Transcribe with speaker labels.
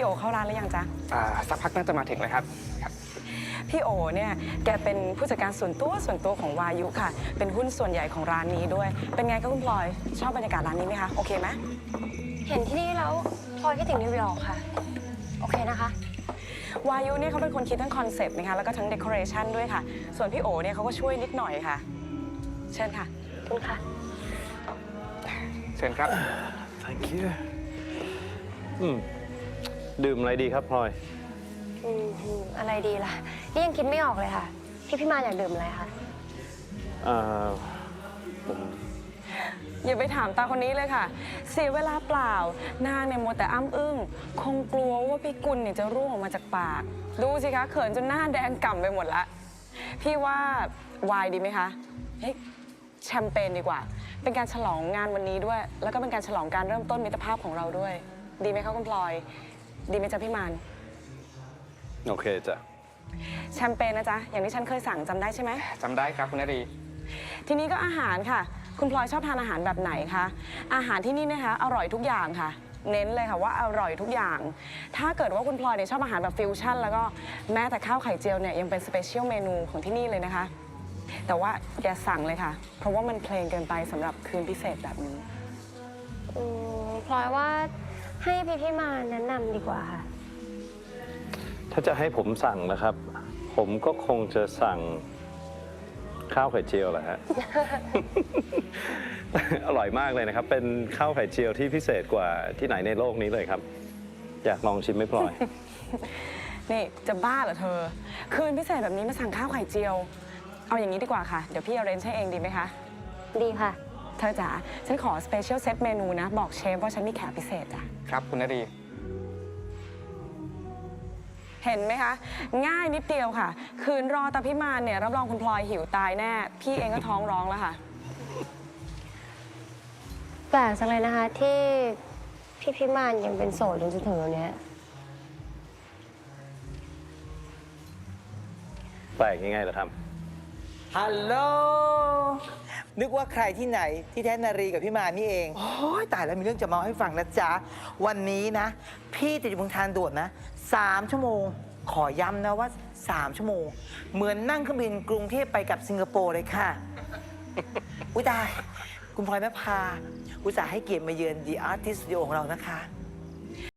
Speaker 1: โอเข้าร้านหรือยังจ๊ะ
Speaker 2: สักพักน่าจะมาถึงเลยครับ
Speaker 1: พี่โอเนี่ยแกเป็นผู้จัดการส่วนตัวของวายุค่ะเป็นหุ้นส่วนใหญ่ของร้านนี้ด้วยเป็นไงก็คุณพลอยชอบบรรยากาศร้านนี้ไหมคะโอเคไหม
Speaker 3: เห็นที่นี่แล้วพลอยคิดถึงนิวยอร์กค่ะโอเคนะคะ
Speaker 1: วายุเนี่ยเขาเป็นคนคิดทั้งคอนเซปต์นะคะแล้วก็ทั้งเดคอเรชันด้วยค่ะส่วนพี่โอเนี่ยเขาก็ช่วยนิดหน่อยค่ะเชิญค่ะ
Speaker 3: คุณค่ะ
Speaker 2: เชิญครับ
Speaker 4: thank you ดื่มอะไรดีครับพลอย
Speaker 3: อะไรดีล่ะนี่ยังคิดไม่ออกเลยค่ะพี่มาอยากดื่มอะไรคะ
Speaker 1: อย่าไปถามตาคนนี้เลยค่ะเสียเวลาเปล่านางเนี่ยมัวแต่อ้ำอึ้งคงกลัวว่าพี่กุลเนี่ยจะร่วงออกมาจากปากดูสิคะเขินจนหน้าแดงก่ำไปหมดละพี่ว่าวายดีไหมคะเฮ้ยแชมเปญดีกว่าเป็นการฉลองงานวันนี้ด้วยแล้วก็เป็นการฉลองการเริ่มต้นมิตรภาพของเราด้วยดีไหมคะคุณพลอยดีไหมจ๊ะพี่มาน
Speaker 4: โอเคจ้ะ
Speaker 1: แชมเปญนะจ๊ะอย่างที่ฉันเคยสั่งจำได้ใช่ไหม
Speaker 2: จำได้ครับคุณนรี
Speaker 1: ทีนี้ก็อาหารค่ะคุณพลอยชอบทานอาหารแบบไหนคะอาหารที่นี่นะคะอร่อยทุกอย่างค่ะเน้นเลยค่ะว่าอร่อยทุกอย่างถ้าเกิดว่าคุณพลอยเนี่ยชอบอาหารแบบฟิวชั่นแล้วก็แม้แต่ข้าวไข่เจียวเนี่ยยังเป็นสเปเชียลเมนูของที่นี่เลยนะคะแต่ว่าอย่าสั่งเลยค่ะเพราะว่ามันเพลงเกินไปสำหรับคืนพิเศษแบบนี้
Speaker 3: พลอยว่าให้พี่มาแนะนำดีกว่าค่ะ
Speaker 4: ถ้าจะให้ผมสั่งนะครับ ผมก็คงจะสั่งข้าวไข่เจียวแหละฮะ อร่อยมากเลยนะครับเป็นข้าวไข่เจียวที่พิเศษกว่าที่ไหนในโลกนี้เลยครับอยากลองชิมไหมพลอย
Speaker 1: นี่จะบ้าเหรอเธอคืนพิเศษแบบนี้มาสั่งข้าวไข่เจียวเอาอย่างนี้ดีกว่าค่ะเดี๋ยวพี่อาเรนจ์ให้เองดีไหมคะ
Speaker 3: ดีค่ะ
Speaker 1: เธอจ๋าฉันขอสเปเชียลเซตเมนูนะบอกเชฟว่าฉันมีแขกพิเศษจ้ะ
Speaker 2: ครับคุณนรี
Speaker 1: เห็นไหมคะง่ายนิดเดียวค่ะคืนรอตาพี่มานเนี่ยรับรองคุณพลอยหิวตายแน่พี่เองก็ท้องร้องแล้วค่ะ
Speaker 3: แปลกจังเลยนะคะที่พี่มานยังเป็นโสดจนถึงวันนี้
Speaker 4: แปลกยังไงล่ะครับ
Speaker 5: ฮัลโหลนึกว่าใครที่ไหนที่แท้นารีกับพี่มานี่เองโอ้ยตายแล้วมีเรื่องจะเมาให้ฟังนะจ๊ะวันนี้นะพี่ติดอยู่บนทางด่วนนะ3 ชั่วโมงขอย้ำนะว่า3 ชั่วโมงเหมือนนั่งเครื่องบินกรุงเทพไปกับสิงคโปร์เลยค่ะ อุ้ยตายคุณพลอยแม่พาอุตส่าห์ให้เกียรติมาเยือน The Artist Studio ของเรานะคะ